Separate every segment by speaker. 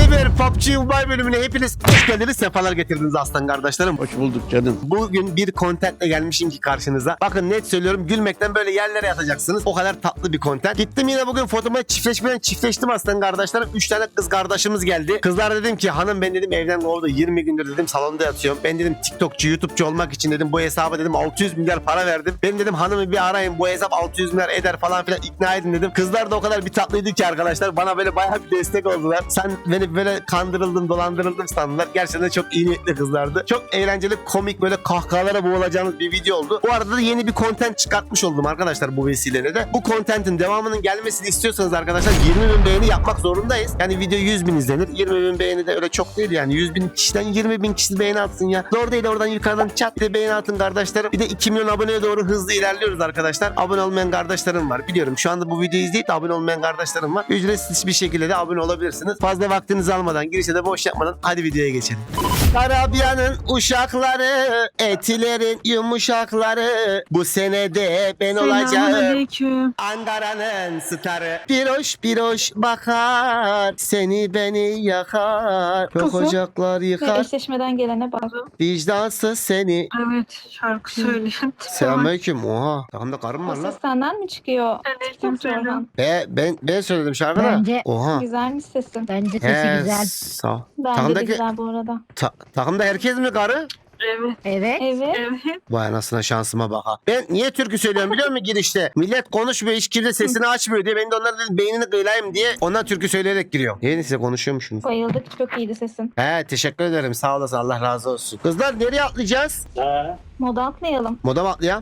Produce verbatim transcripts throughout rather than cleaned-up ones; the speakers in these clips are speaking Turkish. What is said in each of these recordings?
Speaker 1: Cyber P U B G Mobile bölümüne hepiniz hoş geldiniz, sefalar getirdiniz aslan kardeşlerim.
Speaker 2: Hoş bulduk canım.
Speaker 1: Bugün bir contentle gelmişim ki karşınıza. Bakın net söylüyorum, gülmekten böyle yerlere yatacaksınız. O kadar tatlı bir content. Gittim yine bugün fotoğrafı çiftleşmeden çiftleştim aslan kardeşlerim. üç tane kız kardeşimiz geldi. Kızlar dedim ki hanım ben dedim evden kovdu. yirmi gündür dedim salonda yatıyorum. Ben dedim TikTokçu, YouTube'cu olmak için dedim bu hesaba dedim altı yüz milyar para verdim. Ben dedim hanımı bir arayın, bu hesap altı yüz milyar eder falan filan, ikna edin dedim. Kızlar da o kadar bir tatlıydı ki arkadaşlar. Bana böyle bayağı bir destek oldular. Sen beni böyle kandırıldım, dolandırıldım sandılar. Gerçekten çok iyi niyetli kızlardı. Çok eğlenceli, komik, böyle kahkahalara boğulacağınız bir video oldu. Bu arada da yeni bir content çıkartmış oldum arkadaşlar bu vesileyle de. Bu contentin devamının gelmesini istiyorsanız arkadaşlar yirmi bin beğeni yapmak zorundayız. Yani video yüz bin izlenir. yirmi bin beğeni de öyle çok değil yani. yüz bin kişiden yirmi bin kişi beğeni atsın ya. Zor değil, oradan yukarıdan çat bir de beğeni atın kardeşlerim. Bir de iki milyon aboneye doğru hızlı ilerliyoruz arkadaşlar. Abone olmayan kardeşlerim var. Biliyorum şu anda bu videoyu izleyip de abone olmayan kardeşlerim var. Ücretsiz bir şekilde de abone olabilirsiniz. Fazla vaktinizi almadan, girişe de boş yapmadan hadi videoya geçelim. Karabiyanın uşakları, etilerin yumuşakları, bu senede ben olacağım
Speaker 3: Selamünaleyküm.
Speaker 1: Ankara'nın starı. Bir hoş bir hoş bakar, seni beni yakar, çok
Speaker 3: Kızım.
Speaker 1: ocaklar
Speaker 4: Ve
Speaker 1: yıkar,
Speaker 4: eşleşmeden gelene bak.
Speaker 1: vicdansız seni.
Speaker 3: Evet, şarkı söyleyen.
Speaker 1: Selamünaleyküm. Oha, takımda karım var
Speaker 4: O
Speaker 1: lan.
Speaker 4: ses senden mi çıkıyor?
Speaker 3: Aleyküm selam.
Speaker 1: Be, ben ben söyledim şarkıda.
Speaker 5: Bence-
Speaker 1: Oha.
Speaker 4: Güzelmiş sesin.
Speaker 5: Bence sesi
Speaker 1: He,
Speaker 5: güzel.
Speaker 1: sağ ol.
Speaker 4: Bence de
Speaker 1: Takımdaki,
Speaker 4: güzel bu arada.
Speaker 1: ta- takımda herkes mi karı?
Speaker 3: Evet,
Speaker 5: Evet.
Speaker 4: Evet.
Speaker 3: evet.
Speaker 1: Vay anasına, şansıma bak ha. Ben niye türkü söylüyorum biliyor musun girişte? Millet konuşmuyor, hiç kimse sesini açmıyor diye. Ben de onlara dedim beynini kıyılayım diye. Ondan türkü söyleyerek giriyorum. Yeni size konuşuyormuşsunuz.
Speaker 4: Bayıldık. Çok iyiydi sesin.
Speaker 1: He, teşekkür ederim, sağ olasın, Allah razı olsun. Kızlar nereye atlayacağız?
Speaker 4: Moda atlayalım.
Speaker 1: Moda mı atlayalım?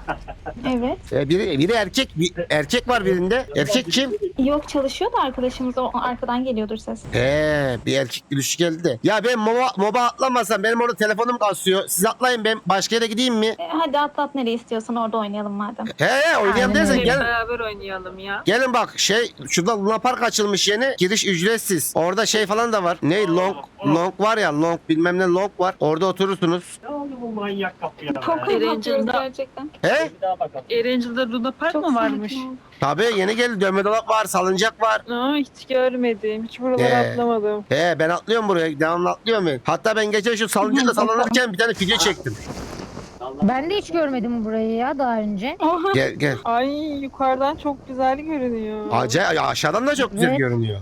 Speaker 4: Evet.
Speaker 1: Ee, biri, biri erkek, bir erkek var birinde. Erkek kim?
Speaker 4: Yok, çalışıyor da arkadaşımız. O arkadan geliyordur ses.
Speaker 1: He, bir erkek gülüşü geldi de. Ya ben moba, moba atlamasam benim orada telefonum kasıyor. Siz atlayın, ben başka yere gideyim mi?
Speaker 4: E, hadi atlat, nereye istiyorsan orada oynayalım madem.
Speaker 1: He he, oynayalım
Speaker 5: Aynen
Speaker 1: dersen
Speaker 5: öyle.
Speaker 1: gel.
Speaker 3: Beraber oynayalım ya.
Speaker 1: Gelin bak, şey şurada Luna Park açılmış yeni. Giriş ücretsiz. Orada şey falan da var. Ne long long var ya, long bilmem ne long var. Orada oturursunuz.
Speaker 6: Ne oldu bu manyak kapıya?
Speaker 4: Çok
Speaker 3: Erencil'de-
Speaker 4: korkuyoruz gerçekten.
Speaker 1: He?
Speaker 6: Bir daha bakalım.
Speaker 3: Erencil'de Luna Park
Speaker 4: Çok
Speaker 3: mı varmış?
Speaker 4: sakin ol.
Speaker 1: Tabii yeni geldi. Dönme dolap var, salıncak var.
Speaker 3: Aa, hiç görmedim. Hiç buralara
Speaker 1: Ee.
Speaker 3: atlamadım.
Speaker 1: He, ben atlıyorum buraya. Devamlı atlıyorum ben. Hatta ben geçen şu salıncakla sallanırken bir tane video çektim.
Speaker 5: Ben de hiç görmedim burayı ya daha önce.
Speaker 4: Oha.
Speaker 1: Gel gel.
Speaker 3: Ay, yukarıdan çok güzel görünüyor.
Speaker 1: Acayip, aşağıdan da çok güzel
Speaker 5: Evet.
Speaker 1: görünüyor.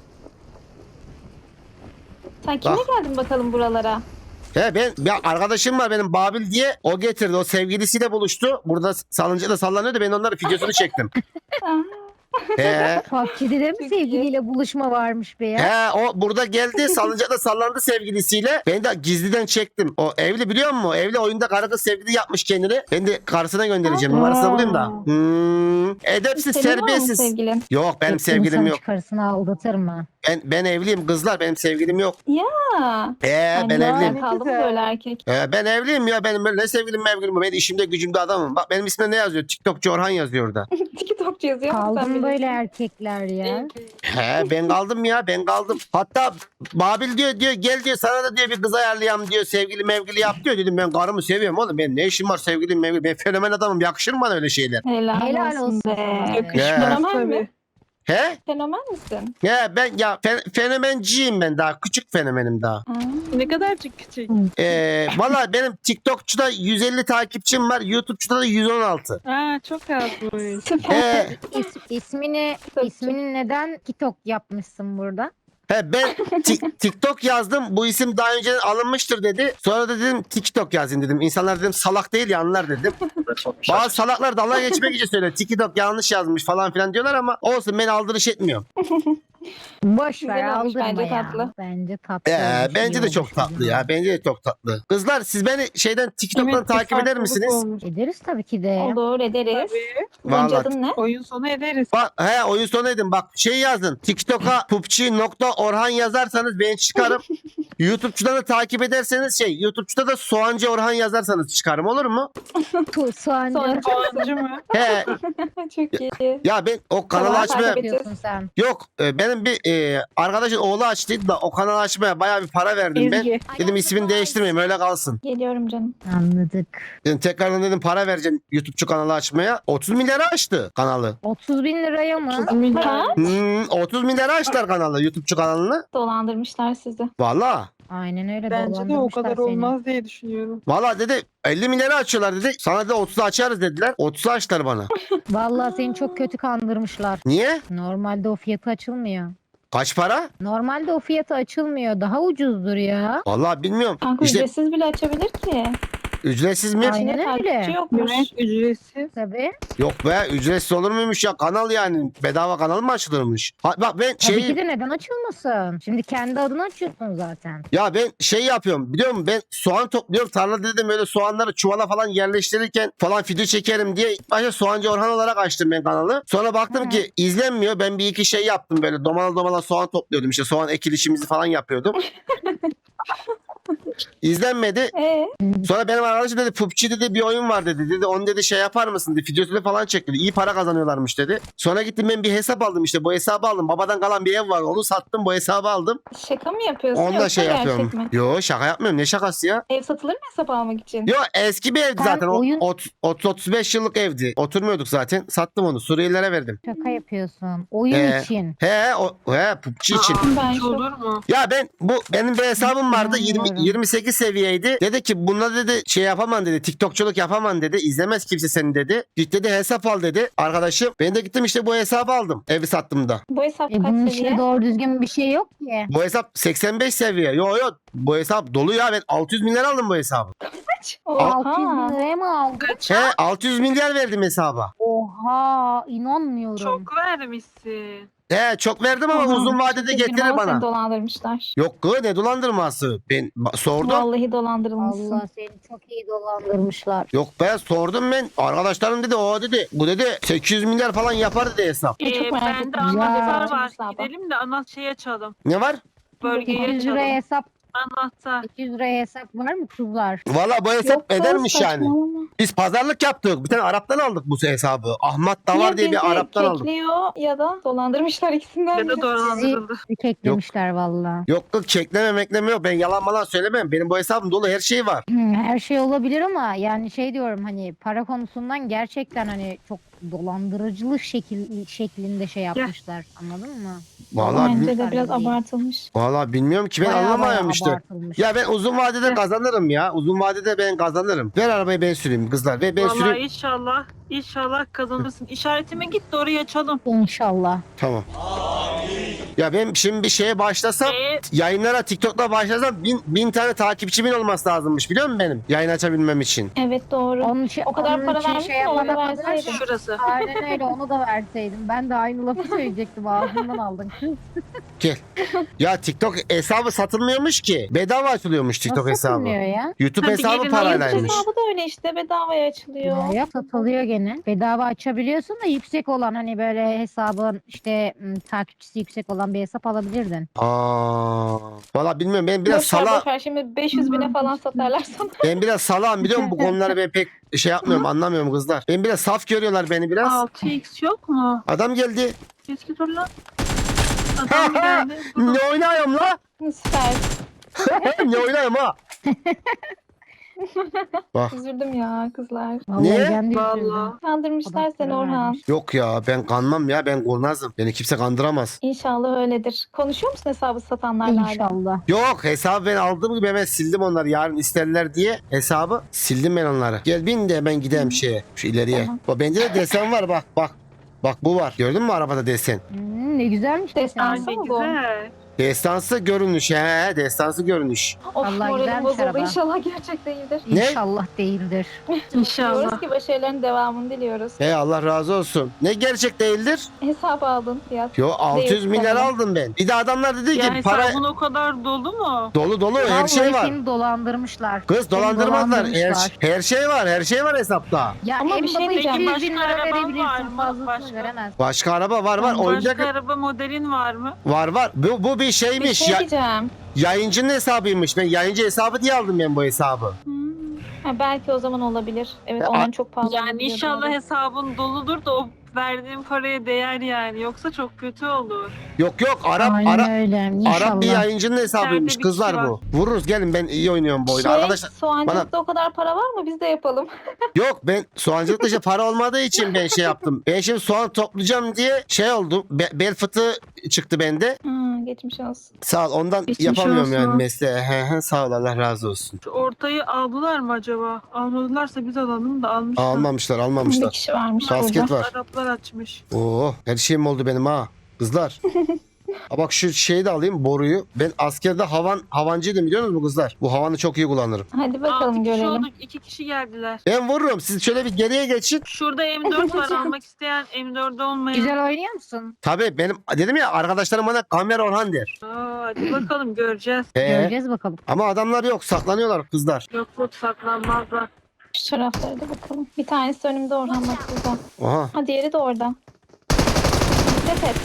Speaker 4: Sen kimle
Speaker 1: Bak.
Speaker 4: geldin bakalım buralara?
Speaker 1: He, ben bir arkadaşım var benim, Babil diye, o getirdi, o sevgilisiyle buluştu. Burada salıncakla sallanıyordu, ben onların videosunu çektim. He.
Speaker 5: P U B G'de de mi
Speaker 4: Çok
Speaker 5: sevgiliyle buluşma varmış be ya?
Speaker 1: He, o burada geldi, salıncakla sallandı sevgilisiyle. Ben de gizliden çektim. O evli, biliyor musun? Evli, oyunda karı kız sevgili yapmış kendini. Ben de karısına göndereceğim.
Speaker 4: Aa.
Speaker 1: Numarasını bulayım da. Hmm. Edepsiz,
Speaker 4: Senin var mı
Speaker 1: terbiyesiz.
Speaker 4: sevgilin?
Speaker 1: Yok, benim
Speaker 5: Hep
Speaker 1: sevgilim
Speaker 5: insan
Speaker 1: yok.
Speaker 5: çıkarısını aldatır mı?
Speaker 1: Ben ben evliyim kızlar, benim sevgilim yok.
Speaker 4: Ha.
Speaker 1: He,
Speaker 4: Ay,
Speaker 1: ben
Speaker 4: ne
Speaker 1: evliyim.
Speaker 4: Kaldı mı
Speaker 3: Güzel.
Speaker 4: böyle erkek?
Speaker 1: He, ben evliyim ya, benim böyle ne sevgilim mevgilim. Ben işimde gücümde adamım. Bak benim ismimde ne yazıyor? TikTokçu Orhan yazıyor orada.
Speaker 4: TikTokçu yazıyor mu sen
Speaker 5: Kaldım
Speaker 4: bilirsin.
Speaker 5: böyle erkekler ya.
Speaker 1: He, ben kaldım ya, ben kaldım. Hatta Babil diyor diyor gel diyor, sana da diyor bir kız ayarlayalım diyor, sevgili mevgili yap diyor. Dedim ben karımı seviyorum oğlum, benim ne işim var sevgilim mevgili, ben fenomen adamım, yakışır mı bana öyle şeyler?
Speaker 4: Helal,
Speaker 5: Helal
Speaker 4: olsun
Speaker 5: olsun
Speaker 4: be.
Speaker 5: sana.
Speaker 3: Yakışmaz
Speaker 4: Fenomen mi?
Speaker 3: tabii.
Speaker 1: He?
Speaker 4: Fenomen misin?
Speaker 1: He, ben ya fe- fenomenciyim ben, daha küçük fenomenim daha.
Speaker 4: Ha.
Speaker 3: Ne kadarcık küçük.
Speaker 1: Ee, valla benim TikTokçuda yüz elli takipçim var, YouTube'çuda da yüz on altı.
Speaker 3: Aa, çok azmış.
Speaker 4: Süper.
Speaker 1: He,
Speaker 5: İs, ismini, ismini neden TikTok yapmışsın burada?
Speaker 1: he ben Tik- TikTok yazdım, bu isim daha önce alınmıştır dedi. Sonra da dedim TikTok yazayım dedim. İnsanlar dedim salak değil ya, anlar dedim. Bazı salaklar dalga geçmek için söylüyor. TikTok yanlış yazmış falan filan diyorlar ama olsun, ben aldırış etmiyorum.
Speaker 5: Boş
Speaker 4: Güzel
Speaker 5: ver
Speaker 4: olmuş,
Speaker 5: aldırma
Speaker 4: bence
Speaker 5: ya.
Speaker 4: tatlı.
Speaker 5: Bence tatlı.
Speaker 1: Ee,
Speaker 5: olmuş,
Speaker 1: bence
Speaker 5: iyi
Speaker 1: de çok
Speaker 5: olmuş
Speaker 1: tatlı
Speaker 5: bizim.
Speaker 1: ya. Bence de çok tatlı. Kızlar siz beni şeyden TikTok'tan
Speaker 3: Evet, bir
Speaker 1: takip eder
Speaker 3: farklılık
Speaker 1: misiniz?
Speaker 3: olmuş.
Speaker 5: Ederiz tabii ki de.
Speaker 4: Olur, ederiz.
Speaker 3: Tabii.
Speaker 4: Gonca
Speaker 1: Vallahi.
Speaker 4: adın ne?
Speaker 3: Oyun sonu ederiz.
Speaker 1: Bak, he, oyun sonu edin. Bak şey yazın. TikTok'a pupçi nokta orhan yazarsanız ben çıkarım. YouTube'çuda da takip ederseniz şey, YouTube'çuda da Soğancı Orhan yazarsanız çıkarım, olur mu?
Speaker 5: Tu, soğancı.
Speaker 4: Soğancı.
Speaker 3: Soğancı mı?
Speaker 1: He,
Speaker 4: Çok iyi.
Speaker 1: ya ben o kanalı
Speaker 4: Tamam,
Speaker 1: açmaya
Speaker 4: takip et.
Speaker 5: yapıyorsun sen.
Speaker 1: yok, e, benim benim bir e, arkadaşın oğlu açtıydı da o kanalı açmaya bayağı bir para verdim ben.
Speaker 3: Ezgi.
Speaker 1: Dedim ismini değiştirmeyeyim öyle kalsın.
Speaker 4: Geliyorum canım.
Speaker 5: Anladık.
Speaker 1: Dedim, tekrardan dedim para vereceğim YouTube'cu kanalı açmaya. otuz milyara açtı kanalı.
Speaker 5: otuz bin liraya mı?
Speaker 4: Ha?
Speaker 1: Hmm, otuz milyara açtılar kanalı YouTube'cu kanalını.
Speaker 4: Dolandırmışlar sizi.
Speaker 1: Valla.
Speaker 5: Aynen öyle
Speaker 3: Bence de o
Speaker 5: dolandırmışlar
Speaker 3: kadar
Speaker 5: seni.
Speaker 3: olmaz diye düşünüyorum.
Speaker 1: Valla dedi elli milyara açıyorlar dedi. Sana da otuzu açarız dediler. otuzu açtılar bana.
Speaker 5: Vallahi seni çok kötü kandırmışlar.
Speaker 1: Niye?
Speaker 5: Normalde o fiyatı açılmıyor.
Speaker 1: Kaç para?
Speaker 5: Normalde o fiyatı açılmıyor. Daha ucuzdur ya.
Speaker 1: Valla bilmiyorum.
Speaker 4: Kanka
Speaker 1: İşte
Speaker 4: ücretsiz bile açabilir ki.
Speaker 1: ücretsiz mi?
Speaker 5: Aynen
Speaker 4: İçinde
Speaker 5: öyle.
Speaker 4: takipçi yokmuş.
Speaker 3: Evet, ücretsiz.
Speaker 5: Tabii.
Speaker 1: Yok be ücretsiz olur muymuş ya kanal yani. Bedava kanal mı açılırmış? Ha, bak ben
Speaker 5: Tabii
Speaker 1: şey
Speaker 5: ki de neden açılmasın? Şimdi kendi adını açıyorsun zaten.
Speaker 1: ya ben şey yapıyorum biliyor musun? Ben soğan topluyorum. Tarlada dedim öyle soğanları çuvala falan yerleştirirken falan video çekerim diye ilk başta Soğancı Orhan olarak açtım ben kanalı. Sonra baktım
Speaker 5: Hı.
Speaker 1: ki izlenmiyor. Ben bir iki şey yaptım böyle domala domala soğan topluyordum. İşte soğan ekilişimizi falan yapıyordum. İzlenmedi.
Speaker 4: Ee,
Speaker 1: Sonra benim arkadaşım dedi P U B G dedi bir oyun var dedi. Dedi onu dedi şey yapar mısın dedi. Videosunu falan çek dedi. İyi para kazanıyorlarmış dedi. Sonra gittim ben bir hesap aldım işte. Bu hesabı aldım. Babadan kalan bir ev var. Onu sattım bu hesabı aldım.
Speaker 4: şaka mı yapıyorsun
Speaker 1: Onu da
Speaker 4: yoksa
Speaker 1: şey
Speaker 4: gerçek
Speaker 1: yapıyorum.
Speaker 4: mi?
Speaker 1: Yo şaka yapmıyorum. Ne şakası ya?
Speaker 4: Ev satılır mı hesap almak için?
Speaker 1: Yo eski bir evdi
Speaker 5: Sen
Speaker 1: zaten. O
Speaker 5: oyun-
Speaker 1: otuz otuz beş yıllık evdi. Oturmuyorduk zaten. Sattım onu. Suriyelilere verdim.
Speaker 5: Şaka yapıyorsun. Oyun
Speaker 1: Ee,
Speaker 5: için.
Speaker 1: He o he P U B G için.
Speaker 4: Ben
Speaker 3: Hiç
Speaker 4: şu
Speaker 3: olur mu?
Speaker 1: Ya ben bu benim bir hesabım vardı yirmi
Speaker 5: İnanmıyorum.
Speaker 1: yirmi sekiz seviyeydi. Dedi ki bunda dedi şey yapamam dedi. TikTokçuluk yapamam dedi. İzlemez kimse seni dedi. Git dedi hesap al dedi. Arkadaşım ben de gittim işte bu hesabı aldım. Evi sattım da.
Speaker 4: bu hesap
Speaker 5: E bunun
Speaker 4: kaç
Speaker 5: içinde
Speaker 4: seviye?
Speaker 5: doğru düzgün bir şey yok ki.
Speaker 1: Bu hesap seksen beş seviye. Yo yo bu hesap dolu ya. Ben altı yüz milyar aldım bu hesabı.
Speaker 5: altı yüz
Speaker 4: Oha.
Speaker 5: bin liraya mı aldın?
Speaker 1: He altı yüz milyar verdim hesaba.
Speaker 5: Oha inanmıyorum.
Speaker 3: Çok vermişsin.
Speaker 1: He çok verdim ama
Speaker 4: Oha.
Speaker 1: uzun vadede
Speaker 4: Üzgünüm
Speaker 1: getirir
Speaker 4: ama seni
Speaker 1: bana.
Speaker 4: dolandırmışlar.
Speaker 1: Yok kız ne dolandırması. Ben ba- sordum.
Speaker 4: Vallahi dolandırılmışsın.
Speaker 5: Allah seni çok iyi dolandırmışlar.
Speaker 1: Yok be sordum ben. Arkadaşlarım dedi o dedi. Bu dedi sekiz yüz milyar falan yapar dedi hesap.
Speaker 4: Çok
Speaker 3: Ee,
Speaker 4: merak
Speaker 3: bende
Speaker 4: ettim.
Speaker 3: anahtar
Speaker 5: Ya.
Speaker 3: var.
Speaker 4: Hesaba.
Speaker 3: Gidelim de ana şey açalım.
Speaker 1: Ne var?
Speaker 3: Bölgeyi
Speaker 5: sekiz yüz liraya
Speaker 3: açalım.
Speaker 5: hesap,
Speaker 3: Anahtar.
Speaker 5: sekiz yüz liraya hesap var mı kızlar?
Speaker 1: Valla bu hesap
Speaker 4: Yok be,
Speaker 1: edermiş yani.
Speaker 4: saçmalama.
Speaker 1: Biz pazarlık yaptık. Bir tane Arap'tan aldık bu hesabı. Ahmet Davar
Speaker 4: Ya
Speaker 1: diye
Speaker 4: bizi
Speaker 1: bir Arap'tan aldık.
Speaker 4: kekliyor ya da dolandırmışlar ikisinden
Speaker 3: Ya da
Speaker 4: biri.
Speaker 3: dolandırıldı.
Speaker 5: Bir keklemişler valla.
Speaker 1: Yok yok çekleme mekleme yok. Ben yalan malan söylemem. Benim bu hesabım dolu her şey var.
Speaker 5: Her şey olabilir ama yani şey diyorum hani para konusundan gerçekten hani çok dolandırıcılık şekil, şeklinde şey yapmışlar. Anladın mı?
Speaker 1: Vallahi,
Speaker 4: Bence
Speaker 1: bil-
Speaker 4: de biraz
Speaker 5: Değil.
Speaker 4: abartılmış.
Speaker 1: vallahi bilmiyorum ki ben
Speaker 5: Bayağı
Speaker 1: anlamıyorum
Speaker 5: bayağı
Speaker 1: işte.
Speaker 5: abartılmış.
Speaker 1: Ya ben uzun vadede kazanırım ya. Uzun vadede ben kazanırım. Ver arabayı ben süreyim kızlar. Ve ben
Speaker 3: Vallahi
Speaker 1: süreyim.
Speaker 3: inşallah. İnşallah kazanırsın. İşaretime git de orayı açalım.
Speaker 5: İnşallah.
Speaker 1: Tamam. Ya ben şimdi bir şeye başlasam
Speaker 3: Ee,
Speaker 1: yayınlara TikTok'ta başlasam bin, bin tane takipçimin olması lazımmış biliyor musun benim? Yayın açabilmem için.
Speaker 4: Evet doğru.
Speaker 5: Onun için,
Speaker 4: O kadar
Speaker 5: onun
Speaker 4: para
Speaker 5: için
Speaker 4: vermiş
Speaker 5: şey
Speaker 4: mi? Onu da
Speaker 5: yapana kadar-
Speaker 4: verseydin.
Speaker 3: şurası.
Speaker 5: Aynen öyle onu da verseydim. Ben de aynı lafı söyleyecektim ağzımdan aldın.
Speaker 1: Gel. Ya TikTok hesabı satılmıyormuş ki. Bedava açılıyormuş TikTok
Speaker 5: Nasıl
Speaker 1: hesabı.
Speaker 5: satılmıyor ya?
Speaker 1: YouTube
Speaker 3: Hadi
Speaker 1: hesabı
Speaker 3: gelin,
Speaker 1: paraylaymış.
Speaker 4: Hesabı da öyle işte bedavaya açılıyor.
Speaker 5: Ya, ya satılıyor gene. Bedava açabiliyorsun da yüksek olan hani böyle hesabın işte m, takipçisi yüksek olan bir hesap alabilirdin.
Speaker 1: Aa, valla bilmiyorum ben biraz
Speaker 4: Boş ver,
Speaker 1: sala
Speaker 4: boş ver. Şimdi beş yüz bine falan satarlar sana.
Speaker 1: ben biraz salağım biliyor musun? Bu konuları ben pek şey yapmıyorum anlamıyorum kızlar. Ben biraz saf görüyorlar beni biraz.
Speaker 3: altı x yok mu?
Speaker 1: Adam geldi.
Speaker 3: Eski dur lan. Adam geldi.
Speaker 1: Ne oynuyorum la?
Speaker 4: Süper.
Speaker 1: ne oynuyorum ha? Bak
Speaker 4: Üzüldüm ya kızlar.
Speaker 5: Vallahi
Speaker 1: Niye?
Speaker 5: ben de üzüldüm.
Speaker 3: Vallahi.
Speaker 4: Kandırmışlar
Speaker 5: Adam
Speaker 4: seni
Speaker 5: para
Speaker 4: Orhan.
Speaker 5: vermiş.
Speaker 1: yok ya ben kanmam ya ben kurnazım. Beni kimse kandıramaz.
Speaker 4: İnşallah öyledir. Konuşuyor musun hesabı satanlarla hala?
Speaker 5: İnşallah.
Speaker 1: Yok hesabı ben aldığım gibi hemen sildim onları. Yarın isterler diye hesabı sildim ben onları. Gel bin de hemen gideyim şeye şu ileriye.
Speaker 4: Tamam.
Speaker 1: Bak bende de desen var bak bak. Bak bu var. Gördün mü arabada desen?
Speaker 5: Hmm, ne güzelmiş desen.
Speaker 3: Ay
Speaker 4: Destansı
Speaker 3: ne
Speaker 4: mı bu?
Speaker 3: güzel.
Speaker 1: Destansı görünüş he. Destansı görünüş.
Speaker 4: Of
Speaker 5: Vallahi
Speaker 4: moralim
Speaker 5: güzelmiş
Speaker 4: bozuldu.
Speaker 5: araba.
Speaker 4: İnşallah gerçek değildir.
Speaker 1: Ne?
Speaker 5: İnşallah değildir.
Speaker 3: İnşallah.
Speaker 4: Diliyoruz ki başarıların devamını diliyoruz.
Speaker 1: He Allah razı olsun. Ne gerçek değildir?
Speaker 4: Hesap aldın fiyat.
Speaker 1: Yo altı yüz
Speaker 4: Değil,
Speaker 1: milyar
Speaker 4: tamam.
Speaker 1: aldım ben. Bir de adamlar dedi ki
Speaker 3: Ya
Speaker 1: para
Speaker 3: hesabın o kadar dolu mu?
Speaker 1: dolu dolu her şey
Speaker 5: Vallahi
Speaker 1: var.
Speaker 5: seni dolandırmışlar.
Speaker 1: Kız
Speaker 5: Seni
Speaker 1: dolandırmazlar. Her,
Speaker 5: dolandırmışlar.
Speaker 1: her şey var. Her şey var hesapta.
Speaker 5: Ya
Speaker 4: Ama
Speaker 5: en
Speaker 4: bir şey
Speaker 5: baba
Speaker 4: diyeceğim.
Speaker 5: iki yüz bin
Speaker 3: Başka
Speaker 5: lira
Speaker 3: araban var
Speaker 5: verebilirsin.
Speaker 3: mı?
Speaker 5: Fazlasını
Speaker 3: Başka?
Speaker 5: veremez.
Speaker 1: Başka araba var var. Oyuncak
Speaker 3: Başka araba modelin var mı?
Speaker 1: var var. Bu, bu bir
Speaker 4: Bir
Speaker 1: şeymiş.
Speaker 4: şey
Speaker 1: Ya-
Speaker 4: diyeceğim.
Speaker 1: yayıncının hesabıymış. Ben yayıncı hesabı diye aldım ben bu hesabı.
Speaker 3: Hmm.
Speaker 4: Ha, belki o zaman olabilir. Evet
Speaker 1: Ya,
Speaker 4: onların çok pahalı.
Speaker 3: Yani
Speaker 4: olduğunu
Speaker 3: inşallah
Speaker 4: biliyordum.
Speaker 3: hesabın doludur da o verdiğim paraya değer yani. Yoksa çok kötü olur.
Speaker 1: Yok yok Arap
Speaker 5: Aynen
Speaker 1: Arap
Speaker 5: öyle. İnşallah.
Speaker 1: Arap bir yayıncının hesabıymış
Speaker 3: İçeride bir
Speaker 1: kızlar
Speaker 3: kişi
Speaker 1: bu. Vururuz gelin, ben iyi oynuyorum bu oyunu.
Speaker 4: Şey,
Speaker 1: Arkadaşlar
Speaker 4: soğancılıkta o kadar para var mı? Biz de yapalım.
Speaker 1: yok, ben soğancılıkta işte para olmadığı için ben şey yaptım. Ben şimdi soğan toplayacağım diye şey oldu. Be- bel fıtığı çıktı bende.
Speaker 4: Hmm, geçmiş olsun.
Speaker 1: Sağ ol, ondan
Speaker 3: Geçmiş
Speaker 1: yapamıyorum
Speaker 3: olsun.
Speaker 1: yani mesleği. He he, sağ ol, Allah razı olsun.
Speaker 3: Şu ortayı aldılar mı acaba? Almadılarsa biz alalım da almışlar.
Speaker 1: Almamışlar
Speaker 4: Bir
Speaker 1: almamışlar.
Speaker 4: kişi varmış
Speaker 1: Basket
Speaker 4: burada.
Speaker 1: var.
Speaker 3: Araplar açmış.
Speaker 1: Oo, her şeyim oldu benim ha. Kızlar. Ha bak şu şeyi de alayım, boruyu. Ben askerde havan havancıydım biliyor musunuz kızlar? Bu havanı çok iyi kullanırım.
Speaker 4: Hadi bakalım
Speaker 3: Altı kişi
Speaker 4: görelim.
Speaker 3: olduk. iki kişi geldiler.
Speaker 1: Ben vururum. Siz şöyle bir geriye geçin.
Speaker 3: Şurada M dört var, almak isteyen M dört olmayan.
Speaker 5: Güzel oynuyor musun?
Speaker 1: Tabii benim dedim ya, arkadaşlarım bana Kamer Orhan der.
Speaker 3: Aa, hadi bakalım göreceğiz.
Speaker 1: Ee,
Speaker 5: Göreceğiz bakalım.
Speaker 1: ama adamlar yok, saklanıyorlar kızlar.
Speaker 3: Yok yok saklanmazlar.
Speaker 4: Şu taraflara da bakalım. Bir tanesi önümde Orhan bak burada.
Speaker 1: Oha.
Speaker 4: Ha diğeri de orada. Dikkat et.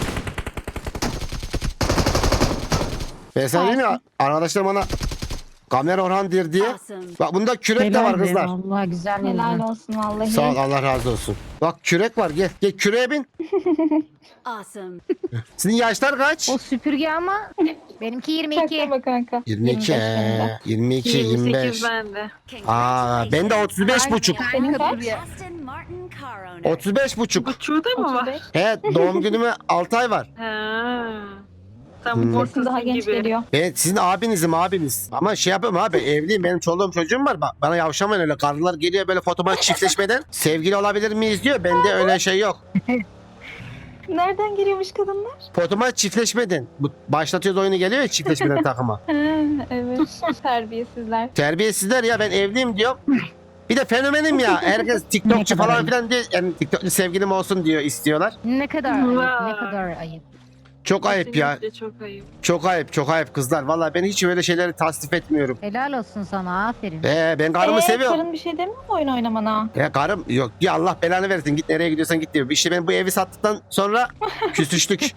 Speaker 1: Ben sana diyeyim ya,
Speaker 4: Harika.
Speaker 1: arkadaşlarım bana Kamer Orhan der diye.
Speaker 2: Awesome.
Speaker 1: Bak bunda kürek de var
Speaker 5: Helal be,
Speaker 1: kızlar.
Speaker 5: Vallahi güzel
Speaker 4: Helal
Speaker 5: oldu.
Speaker 4: olsun vallahi.
Speaker 1: Sağ ol, Allah razı olsun. Bak kürek var, gel. Gel küreğe bin.
Speaker 2: Awesome.
Speaker 1: Sizin yaşlar kaç?
Speaker 5: O süpürge ama benimki yirmi iki.
Speaker 4: Çaktırma kanka.
Speaker 1: yirmi iki.
Speaker 4: yirmi beş bende.
Speaker 1: yirmi iki,
Speaker 3: yirmi
Speaker 1: yirmi beş.
Speaker 3: sekiz bende.
Speaker 1: Aa, ben de otuz beş buçuk.
Speaker 4: Senin kaç?
Speaker 2: Justin Martin car owner.
Speaker 1: otuz beş buçuk.
Speaker 3: Buçuğu da mı var?
Speaker 4: otuz beş.
Speaker 1: He, doğum günüme altı ay var.
Speaker 3: Ha. Tam
Speaker 1: Hmm.
Speaker 4: Sesin daha
Speaker 3: ortası
Speaker 4: genç
Speaker 3: gibi.
Speaker 4: geliyor.
Speaker 1: Ben sizin abinizim abiniz. Ama şey yapıyorum abi, evliyim, benim çoluğum çocuğum var. Bak bana yavşamayın öyle, karılar geliyor böyle fotoğraf çiftleşmeden. Sevgili olabilir miyiz diyor. Bende öyle şey yok.
Speaker 4: Nereden geliyormuş kadınlar?
Speaker 1: Fotoğraf çiftleşmeden. Bu başlatıyoruz oyunu, geliyor ya çiftleşmeden takıma.
Speaker 4: Ha, evet. Terbiyesizler.
Speaker 1: Terbiyesizler ya, ben evliyim diyor. Bir de fenomenim ya. Herkes TikTokçu
Speaker 5: Ne kadar
Speaker 1: falan
Speaker 5: ayıp.
Speaker 1: filan diye. Yani TikTokçu sevgilim olsun diyor, istiyorlar.
Speaker 5: Ne kadar ayıp, ne
Speaker 3: Vay.
Speaker 5: kadar ayıp.
Speaker 1: Çok ayıp ya.
Speaker 3: Kesinlikle çok ayıp.
Speaker 1: Çok ayıp, çok ayıp kızlar. Vallahi ben hiç öyle şeyleri tasvip etmiyorum.
Speaker 5: Helal olsun sana, aferin.
Speaker 1: Ee, ben karımı
Speaker 4: Ee,
Speaker 1: seviyorum.
Speaker 4: Karın bir şey demiyor mu oyun oynamana?
Speaker 1: Ya karım yok ya, Allah belanı versin, git nereye gidiyorsan git diyor. İşte ben bu evi sattıktan sonra küsüştük.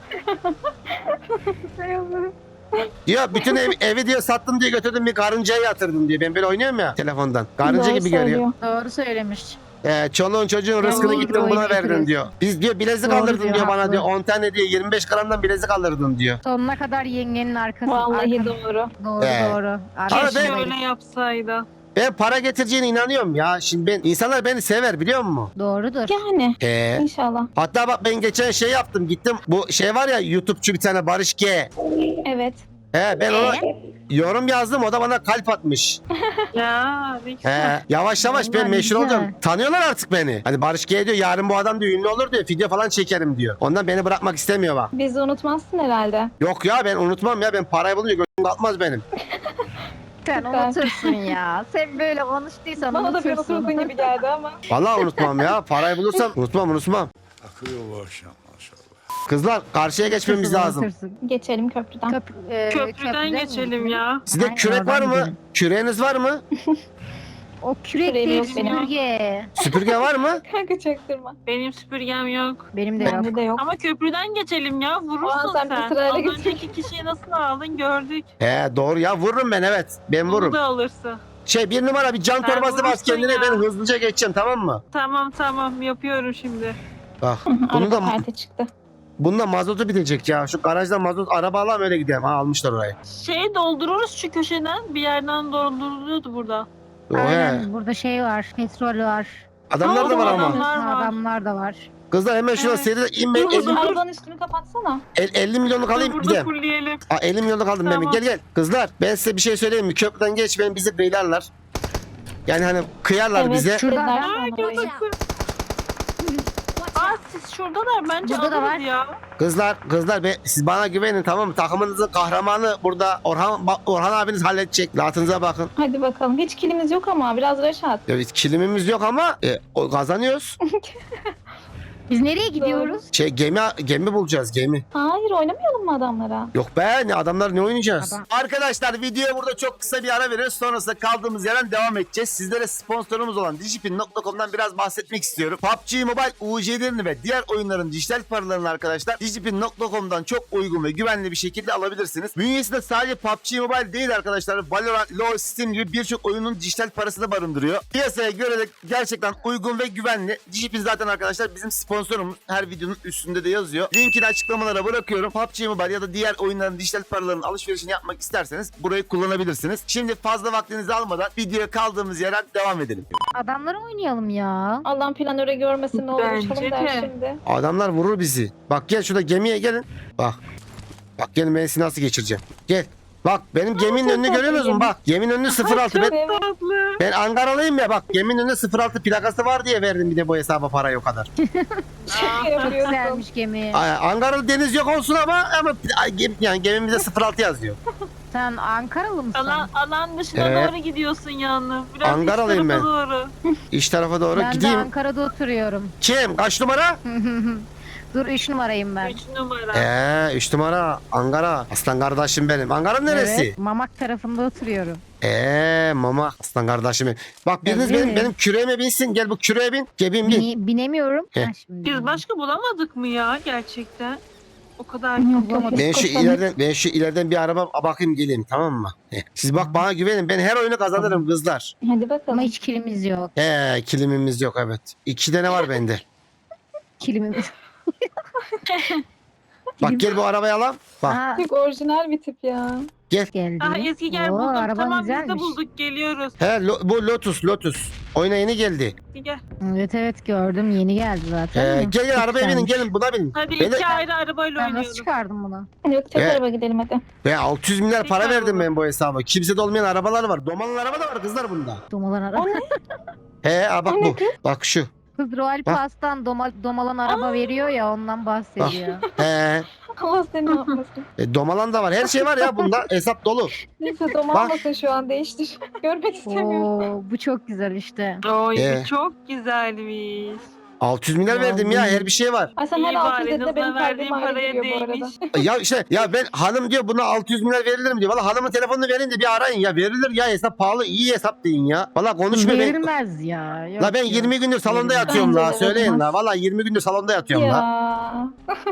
Speaker 1: Diyor bütün ev, evi diyor sattım diye götürdüm, bir karıncaya yatırdım diyor. Ben böyle oynuyorum ya telefondan. Karınca
Speaker 4: Doğru
Speaker 1: gibi görüyor.
Speaker 4: söylüyor.
Speaker 5: Doğru söylemiş.
Speaker 1: Ee, çoluğun çocuğun rızkını
Speaker 5: Doğru,
Speaker 1: gittim
Speaker 5: doğru,
Speaker 1: buna
Speaker 5: doğru
Speaker 1: verdin
Speaker 5: diyorsun.
Speaker 1: diyor. Biz diyor bilezik
Speaker 5: Doğru
Speaker 1: alırdın
Speaker 5: diyor,
Speaker 1: diyor bana
Speaker 5: haklı.
Speaker 1: diyor. on tane diyor yirmi beş gramdan bilezik alırdın diyor.
Speaker 5: Sonuna kadar yengenin arkası.
Speaker 4: Vallahi
Speaker 5: arka-
Speaker 4: doğru.
Speaker 5: Doğru
Speaker 1: Ee.
Speaker 5: doğru.
Speaker 1: Ama
Speaker 5: Arkası
Speaker 1: ben-
Speaker 3: Keşke
Speaker 5: böyle.
Speaker 3: öyle yapsaydı.
Speaker 1: Ben para getireceğine inanıyorum ya. Şimdi ben, insanlar beni sever biliyor musun?
Speaker 5: Doğrudur.
Speaker 4: Yani
Speaker 1: Ee,
Speaker 4: inşallah.
Speaker 1: hatta bak ben geçen şey yaptım, gittim. Bu şey var ya, YouTube'cu bir tane Barış G.
Speaker 4: Evet.
Speaker 1: He, ben ona yorum yazdım, o da bana kalp atmış.
Speaker 3: Ya ne güzel.
Speaker 1: He, yavaş yavaş ben
Speaker 5: Vallahi
Speaker 1: meşhur
Speaker 5: güzel.
Speaker 1: olacağım. Tanıyorlar artık beni. Hani Barış G diyor, yarın bu adam diyor ünlü olur diyor, video falan çekerim diyor. Ondan beni bırakmak istemiyor bak.
Speaker 4: Bizi unutmazsın herhalde.
Speaker 1: Yok ya, ben unutmam ya, ben parayı bulunca gözüm kalkmaz benim.
Speaker 5: Sen
Speaker 4: Süper.
Speaker 5: unutursun ya. Sen böyle konuştuysan
Speaker 4: Bana da bir
Speaker 5: unutursun.
Speaker 4: oturdun gibi geldi ama.
Speaker 1: Vallahi unutmam ya, parayı bulursam unutmam unutmam.
Speaker 6: Akıyor bu akşam maşallah.
Speaker 1: Kızlar karşıya geçmemiz
Speaker 5: Unutursun,
Speaker 1: lazım.
Speaker 5: unutursun.
Speaker 4: Geçelim köprüden.
Speaker 5: Köp- e,
Speaker 3: Köprüden
Speaker 5: mi?
Speaker 3: geçelim ya.
Speaker 1: Sizde
Speaker 5: Aynen,
Speaker 1: kürek var
Speaker 5: oradan
Speaker 1: mı?
Speaker 5: gidelim.
Speaker 1: Küreğiniz var mı?
Speaker 5: O kürek
Speaker 4: Küreğim
Speaker 5: değil
Speaker 4: yok benim.
Speaker 5: süpürge.
Speaker 1: Süpürge var mı?
Speaker 4: Kanka çaktırma.
Speaker 3: Benim süpürgem yok.
Speaker 5: Benim de yok.
Speaker 4: Bende de yok.
Speaker 3: Ama köprüden geçelim ya. Vurursun
Speaker 4: Aa, sen
Speaker 3: sen.
Speaker 4: bir sırayla
Speaker 3: Az
Speaker 4: geç.
Speaker 3: önceki kişiyi nasıl aldın gördük.
Speaker 1: He doğru ya, vururum ben, evet. Ben
Speaker 3: Bunu
Speaker 1: vururum.
Speaker 3: da alırsın.
Speaker 1: Şey, bir numara bir can
Speaker 3: Sen
Speaker 1: torbası bas
Speaker 3: vurursun
Speaker 1: kendine,
Speaker 3: ya.
Speaker 1: ben hızlıca geçeceğim, tamam mı?
Speaker 3: Tamam tamam yapıyorum şimdi.
Speaker 1: Bak bunu
Speaker 4: Araba
Speaker 1: da
Speaker 4: perte çıktı.
Speaker 1: bunda mazotu bitecek ya. Şu garajdan mazot araba alalım öyle gidelim. Ha, almışlar orayı.
Speaker 3: Şey doldururuz şu köşeden. Bir yerden dolduruluyordu burada.
Speaker 1: O he.
Speaker 5: Aynen, burada şey var. Petrol var.
Speaker 1: Adamlar da var ama.
Speaker 3: Adamlar var.
Speaker 5: Adamlar da var.
Speaker 1: Kızlar hemen şuna
Speaker 3: Evet.
Speaker 1: seri in, ben
Speaker 3: Dur,
Speaker 1: elli,
Speaker 3: dur.
Speaker 4: Arabanın üstünü kapatsana.
Speaker 1: el- elli milyonluk alayım
Speaker 3: Dur,
Speaker 1: bir
Speaker 3: burada
Speaker 1: de.
Speaker 3: fullleyelim.
Speaker 1: Aa, elli milyonluk aldım ben.
Speaker 3: Tamam.
Speaker 1: Gel gel. Kızlar ben size bir şey söyleyeyim mi? Köprüden geçmeyin, bizi kıylarlar. Yani hani kıyarlar
Speaker 4: Evet.
Speaker 1: bize.
Speaker 5: Şurada
Speaker 4: dediler
Speaker 5: da-
Speaker 4: bana
Speaker 3: Aa,
Speaker 4: orayı.
Speaker 3: gördüm. Aa siz şuradalar bence
Speaker 5: Burada da
Speaker 3: alırız
Speaker 5: var.
Speaker 3: ya.
Speaker 1: Kızlar kızlar be, siz bana güvenin tamam mı? Takımınızın kahramanı burada Orhan bak, Orhan abiniz halledecek. Rahatınıza bakın.
Speaker 4: Hadi bakalım. Hiç kilimiz yok ama biraz Reşat.
Speaker 1: Ya biz kilimimiz yok ama e, o, kazanıyoruz.
Speaker 5: Biz nereye gidiyoruz?
Speaker 1: Şey gemi gemi bulacağız, gemi.
Speaker 4: Hayır oynamayalım mı adamlara?
Speaker 1: Yok be, ne adamlar, ne oynayacağız?
Speaker 5: Adam-
Speaker 1: Arkadaşlar videoya burada çok kısa bir ara veriyoruz. Sonrasında kaldığımız yerden devam edeceğiz. Sizlere sponsorumuz olan Digipin nokta com'dan biraz bahsetmek istiyorum. P U B G Mobile U C'lerini ve diğer oyunların dijital paralarını arkadaşlar Digipin nokta com'dan çok uygun ve güvenli bir şekilde alabilirsiniz. Bünyesinde sadece P U B G Mobile değil arkadaşlar. Valorant, LoL, Steam gibi birçok oyunun dijital parasını barındırıyor. Piyasaya göre de gerçekten uygun ve güvenli. Digipin zaten arkadaşlar bizim sponsorumuz. sponsorumuz. Her videonun üstünde de yazıyor. Linkini açıklamalara bırakıyorum. P U B G Mobile ya da diğer oyunların dijital paraların alışverişini yapmak isterseniz burayı kullanabilirsiniz. Şimdi fazla vaktinizi almadan videoya kaldığımız yerden devam edelim.
Speaker 5: Adamları oynayalım ya.
Speaker 4: Allah'ın planöre görmesin ne olur
Speaker 3: Bence
Speaker 4: uçalım der
Speaker 3: de.
Speaker 4: şimdi.
Speaker 1: Adamlar vurur bizi. Bak gel şurada gemiye gelin. Bak. Bak gelin ben sizi nasıl geçireceğim. Gel. Bak benim geminin önünü
Speaker 4: çok
Speaker 1: görüyor musun?
Speaker 4: tatlı
Speaker 1: Bak geminin önünü sıfır altı. Ben,
Speaker 4: Evet.
Speaker 3: Tatlı.
Speaker 1: ben Ankaralıyım ya bak geminin önünde sıfır altı plakası var diye verdim bir de bu hesaba parayı o kadar.
Speaker 4: Şaka
Speaker 5: Çok
Speaker 4: yapıyorsun.
Speaker 5: güzelmiş gemi.
Speaker 1: Ay, Ankaralı deniz yok olsun ama ama gem- yani gemimizde sıfır altı yazıyor.
Speaker 5: Sen Ankaralı mısın?
Speaker 3: Alan, alan dışına
Speaker 1: Evet.
Speaker 3: doğru gidiyorsun yalnız. Biraz
Speaker 1: Ankaralıyım
Speaker 3: iç tarafa
Speaker 1: ben.
Speaker 3: doğru.
Speaker 1: İç tarafa doğru
Speaker 5: Ben
Speaker 1: gideyim.
Speaker 5: de Ankara'da oturuyorum.
Speaker 1: Kim? Kaç numara?
Speaker 5: Dur üç numarayım ben.
Speaker 3: Üç numara.
Speaker 1: Eee üç numara Ankara. Aslan kardeşim benim. Ankara neresi?
Speaker 5: Evet, Mamak tarafında oturuyorum.
Speaker 1: Eee mama aslan kardeşim benim. Bak biriniz
Speaker 5: Tabii.
Speaker 1: benim, benim küreğime binsin. Gel bu küreğe bin. Gebim bin.
Speaker 5: Bine- binemiyorum.
Speaker 1: Heh.
Speaker 5: Ha, şimdi
Speaker 3: Biz
Speaker 5: bindim.
Speaker 3: başka bulamadık mı ya gerçekten? O kadar
Speaker 4: Yok,
Speaker 3: çok
Speaker 4: yok.
Speaker 1: Ben şu
Speaker 4: Koşalım.
Speaker 1: ileriden ben şu ileriden bir araba bakayım geleyim tamam mı? Heh. Siz bak bana güvenin. Ben her oyunu kazanırım kızlar.
Speaker 4: Hadi bakalım.
Speaker 5: Ama hiç kilimiz yok.
Speaker 1: He kilimimiz yok evet. İki tane var bende.
Speaker 5: Kilimimiz.
Speaker 1: Bak gel bu arabayı alalım. Bak
Speaker 5: Aa,
Speaker 4: Çok orijinal bir tip ya.
Speaker 5: geldi.
Speaker 3: Ah Ezgi gel
Speaker 5: Oo,
Speaker 3: bulduk.
Speaker 5: araban
Speaker 3: Tamam biz de
Speaker 5: güzelmiş.
Speaker 3: bulduk geliyoruz.
Speaker 1: he lo- bu Lotus Lotus. Oyuna yeni geldi.
Speaker 3: Ezgi gel.
Speaker 5: Evet evet gördüm yeni geldi zaten.
Speaker 1: He,
Speaker 5: Hı,
Speaker 1: gel gel
Speaker 5: çok
Speaker 1: arabaya binin
Speaker 5: güzelmiş.
Speaker 1: gelin buna binin.
Speaker 3: Hadi
Speaker 1: Ben de-
Speaker 3: iki ayrı arabayla
Speaker 5: Ben nasıl
Speaker 3: oynayalım.
Speaker 5: çıkardım bunu?
Speaker 4: Yok tek
Speaker 1: Evet.
Speaker 4: araba gidelim hadi.
Speaker 1: Ve altı yüz milyar para
Speaker 3: Tekrar
Speaker 1: verdim
Speaker 3: olur.
Speaker 1: ben bu hesaba. Kimsede olmayan arabalar var. Domalı araba da var kızlar bunda.
Speaker 5: Domalan araba.
Speaker 4: O ne?
Speaker 1: He ha, bak
Speaker 4: O ne
Speaker 1: bu. Bak şu.
Speaker 5: Kız Royal
Speaker 1: Bak.
Speaker 5: Pass'tan doma, domalan araba veriyor ya ondan bahsediyor.
Speaker 1: He.
Speaker 4: Allah seni ne yapmasın.
Speaker 1: E, domalan da var. Her şey var ya bunda. Hesap dolu.
Speaker 4: Neyse domalmasın şu an değiştir. Görmek istemiyorum.
Speaker 5: Oo, bu çok güzel işte.
Speaker 3: Oy
Speaker 1: Ee.
Speaker 3: çok güzelmiş.
Speaker 1: altı yüz milyar verdim ya. Her bir şey var.
Speaker 4: Ay sen
Speaker 3: İyi
Speaker 4: her
Speaker 3: bari,
Speaker 4: altı yüz dediğinde
Speaker 3: hızla
Speaker 4: benim
Speaker 3: verdiğin
Speaker 4: kalbim ayrı
Speaker 3: paraya
Speaker 4: gidiyor bu arada.
Speaker 3: değmiş.
Speaker 1: Ya işte ya ben hanım diyor buna altı yüz milyar verilir mi diyor. Valla hanımın telefonunu verin de bir arayın ya. Verilir ya hesap pahalı. İyi hesap deyin ya. Valla konuşma ben.
Speaker 5: Verilmez ya. Yok,
Speaker 1: La ben
Speaker 5: yok.
Speaker 1: yirmi gündür salonda
Speaker 5: Verilmez.
Speaker 1: yatıyorum
Speaker 4: Bence
Speaker 1: la.
Speaker 4: de
Speaker 1: Söyleyin la.
Speaker 4: verilmez.
Speaker 1: Valla yirmi gündür salonda yatıyorum la.
Speaker 4: Ya.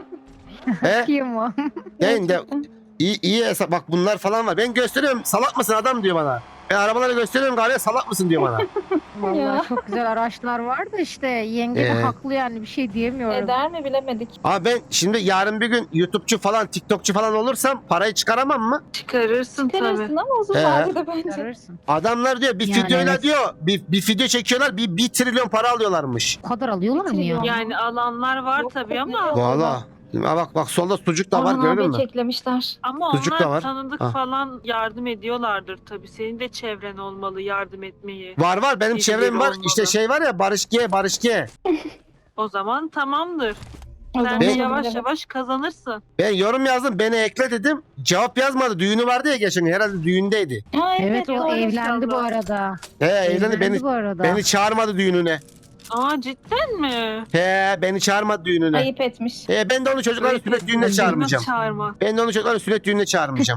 Speaker 1: He?
Speaker 5: Kim o?
Speaker 1: Ben de
Speaker 4: Gerçekten.
Speaker 1: iyi, iyi hesap bak bunlar falan var. Ben gösteriyorum salak mısın adam diyor bana. Ben arabaları gösteriyorum galiba salak mısın diyor bana.
Speaker 5: Vallahi
Speaker 4: Ya.
Speaker 5: çok güzel araçlar var da işte yenge de
Speaker 1: Ee?
Speaker 5: haklı yani bir şey diyemiyorum.
Speaker 4: Eder mi bilemedik.
Speaker 1: Ama ben şimdi yarın bir gün YouTube'cu falan TikTok'cu falan olursam parayı çıkaramam mı?
Speaker 3: Çıkarırsın tabii.
Speaker 4: Çıkarırsın ama uzun
Speaker 1: He.
Speaker 4: vadede bence.
Speaker 5: Çıkarırsın.
Speaker 1: Adamlar diyor bir
Speaker 5: Yani
Speaker 1: videoyla
Speaker 5: evet.
Speaker 1: diyor bir, bir video çekiyorlar bir, bir trilyon para alıyorlarmış.
Speaker 5: O kadar alıyorlar mı ya?
Speaker 4: Bitiriyor.
Speaker 3: Yani alanlar var
Speaker 4: Yok,
Speaker 3: tabii
Speaker 4: yok,
Speaker 3: ama
Speaker 4: yok.
Speaker 1: Valla. Ha bak bak solda sucuk da var
Speaker 4: Orhan
Speaker 1: gördün
Speaker 4: abiyi
Speaker 1: mü?
Speaker 4: keklemişler.
Speaker 3: ama
Speaker 1: Çocuk da
Speaker 3: onlar
Speaker 1: var.
Speaker 3: tanıdık
Speaker 1: Ha.
Speaker 3: falan yardım ediyorlardır tabii. Senin de çevren olmalı yardım etmeyi.
Speaker 1: Var var benim
Speaker 3: Birileri
Speaker 1: çevrem var.
Speaker 3: olmalı.
Speaker 1: İşte şey var ya Barış G, Barış G.
Speaker 3: O zaman tamamdır.
Speaker 4: O
Speaker 3: Sen
Speaker 4: zaman
Speaker 3: de
Speaker 1: Ben-
Speaker 3: yavaş
Speaker 4: bilemedim.
Speaker 3: yavaş kazanırsın.
Speaker 1: Ben yorum yazdım beni ekle dedim. Cevap yazmadı. Düğünü vardı ya geçen gün. Herhalde düğündeydi.
Speaker 4: Ha,
Speaker 5: Evet o
Speaker 4: doğru.
Speaker 5: evlendi bu arada.
Speaker 1: He evlendi beni
Speaker 5: bu arada.
Speaker 1: beni çağırmadı düğününe.
Speaker 3: Aa cidden mi?
Speaker 1: He beni çağırmadı düğününe.
Speaker 4: Ayıp etmiş.
Speaker 1: He ben de onu çocukların
Speaker 3: Öyle
Speaker 1: sünnet düğününe
Speaker 3: bir-
Speaker 1: çağırmayacağım.
Speaker 3: Çağırma.
Speaker 1: Ben de onu çocukların sünnet düğününe çağırmayacağım.